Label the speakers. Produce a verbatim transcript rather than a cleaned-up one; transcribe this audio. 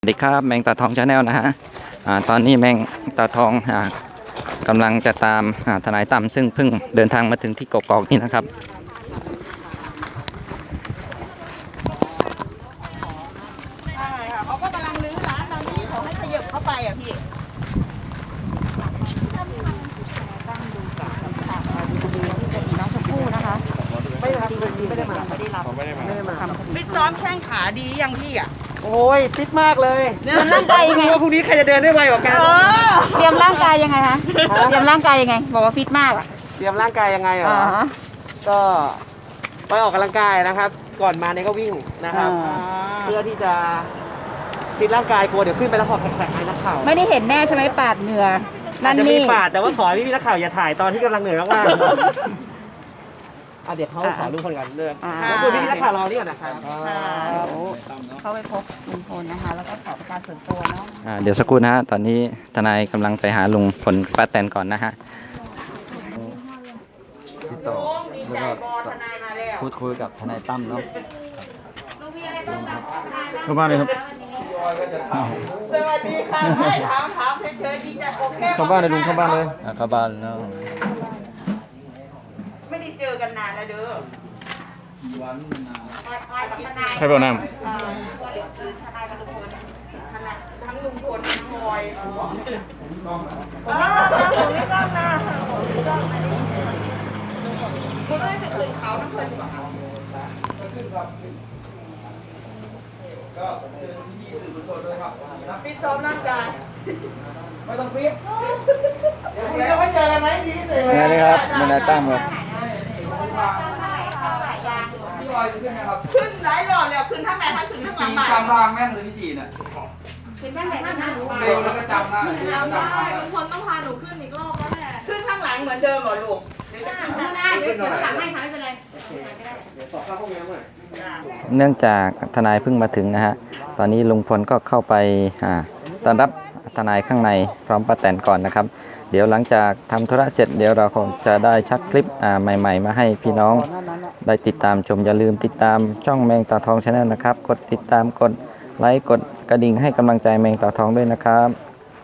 Speaker 1: สวัสดีครับแมงตาทองชาแนลนะฮะอ่าตอนนี้แมงตาทองอ่ากำลังจะตามอ่าทนายตั้มซึ่งเพิ่งเดินทางมาถึงที่กกอกนี่นะครับ
Speaker 2: ใช่ค่ะเขาก็กำลังรื้อร้านตอนนี้เขาให้ขยับเข้าไปอ่ะพี่ตั้งดูจากคำสั่งมาดูดูที่จะมีน้องชมพู่นะคะไม่ได้รับไม่ได้มาไม่ได้รับไม่ได้มาไม่ได้มาฟิตซ้อมแข้งขาดียังพี่อ่ะ
Speaker 3: โอ้ยฟิตมากเลย
Speaker 2: เดินร่างกายยังไง
Speaker 3: ว่าพรุ่งนี้ใครจะเดินได้ไวกว่ากัน
Speaker 2: เตรียมร่างกายยังไงคะเตรียมร่างกายยังไงบอกว่าฟิตมากอ่ะ
Speaker 3: เตรียมร่างกายยังไงเหรอ
Speaker 2: อ่าฮะ
Speaker 3: ก็ไปออกกำลังกายนะครับ ก่อนมาเนี่ยก็วิ่งนะครับ เพื่อที่จะฟิตร่างกายกลัวเดี๋ยวขึ้นไปแล้วหอบแขกๆไอ้นักข่าว
Speaker 2: ไม่ได้เห็นแน่ใช่ไหมปาดเหงื่อ
Speaker 3: อา
Speaker 2: นั่
Speaker 3: จ
Speaker 2: น
Speaker 3: จะมี
Speaker 2: นี่
Speaker 3: ปาดแต่ว่าขอให้พี่ๆนักข่าวอย่าถ่ายตอนที่กำลังเหนื่อยมากๆอ่ะเดี๋ยวเขาขอรูปคนก่อนเลย
Speaker 2: อ่า
Speaker 3: แล้วคุณพี่ๆนักข่าวรอนี่ก่อนนะครับ
Speaker 2: เข้าไปพบลุงพลนะคะ แล้วก็ขอประการส่วนตัวเนาะ
Speaker 1: อ่าเดี๋ยวสักครู่นะฮะตอนนี้ทนายกำลังไปหาลุงพลป้าแตนก่อนนะฮะ
Speaker 4: ติดต่อแล้วก็พูดคุยกับทนายตั้มเนาะเข้าบ้านเลยครับ
Speaker 2: สวัสดีค่ะไม่ถามถามเฉยๆดีใจโอเค
Speaker 4: เข้าบ้านเลยลุงเข้าบ้านเลยอ่ะเข้าบ้านเนาะ
Speaker 2: ไม่ได้เจอกันนานแล้วเด้อออยกับทนาย
Speaker 4: ใครบอกน้ำ
Speaker 2: เอ่อตัวเหลืองคือทนายกับลุงพลทนายทั้งลุงพลทั้งพลอยเออผมไม่ต้องนะผมไม่ต้องนะคุณไม่ได้จะคืนเขาน้ำเพลินกว่าเขาฟิตซ้อมร่างกายไม่ต้องฟิตคุณจะไม่เจอกันไหมดีที่สุด
Speaker 4: นี่นี่ครับทนายตั้มครับ
Speaker 2: ขึ้นหลายรอบแล้วขึ้นทั้งไหนทั้งขึ้นทั้งหลังบ้าน
Speaker 5: จำทางแม่นเลยพี่จีน่ะ
Speaker 2: ขึ้นทั้งไหนทั้งหลังบ้าน
Speaker 5: เร็วแล้วก็จำได้จำได้
Speaker 6: ลุงพลต้องพาหนูขึ้นอีกรอบแล้วแหละ
Speaker 2: ขึ้นข้างหลังเหมือนเดิมเหรอลูก
Speaker 6: ไม่ได้เดี๋ยวเดี๋ยวสั่งให้ค่ะไม่เป็นไร
Speaker 1: เนื่องจากทนายเพิ่งมาถึงนะฮะตอนนี้ลุงพลก็เข้าไปอ่าต้อนรับทนายข้างในพร้อมป้าแตนก่อนนะครับเดี๋ยวหลังจากทำธุระเสร็จเดี๋ยวเราคงจะได้ชักคลิปอ่าใหม่ๆมาให้พี่น้องได้ติดตามชมอย่าลืมติดตามช่องแมงตาทองชาแนลนะครับกดติดตามกดไลค์กดกระดิ่งให้กำลังใจแมงตาทองด้วยนะครับ